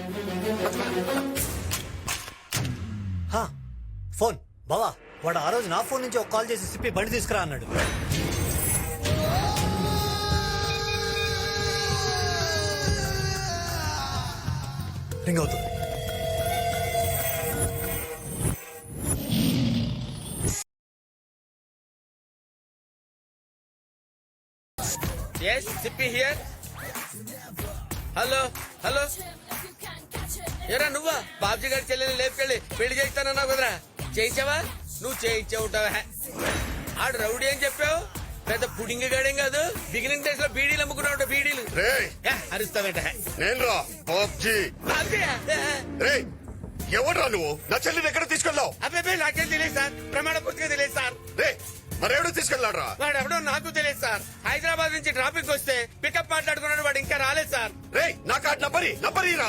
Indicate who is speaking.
Speaker 1: Phone బావా, వాడు ఆ రోజు నా ఫోన్ నుంచి ఒక కాల్ చేసి సిప్పి బండి తీసుకురా అన్నాడు. రింగ్ అవుతుంది.
Speaker 2: Yes, Sippy here. Hello hello, ఎరా నువ్వా? బాబ్జీ గారి చెల్లెని లేపుకెళ్ళి పెళ్లి చేస్తానన్నావు కదరా, చేయించావా? నువ్వు చేయించే ఉంటావా? ఆడు రౌడీ అని చెప్పావు, పెద్ద పుడింగి గాడేం కాదు. బిగినింగ్ డేస్ లో బీడీలు అమ్ముకున్నావు, బీడీలు. అరుస్తావేట?
Speaker 3: నేను ఎవడ్రా నువ్వు? నా చెల్లిని ఎక్కడ తీసుకెళ్ళావు?
Speaker 2: అబ్బాయి నాకేం తెలియదు సార్, ప్రమాణ పూర్తిగా తెలియదు సార్.
Speaker 3: మరెవడో తీసుకెళ్ళాడ్రా?
Speaker 2: వాడు ఎవడో నాకు తెలియదు సార్. హైదరాబాద్ నుంచి ట్రాఫిక్ వస్తే పికప్ మాట్లాడుకున్నాడు, వాడు ఇంకా రాలేదు సార్.
Speaker 3: నా కార్డ్ నంబరి రా.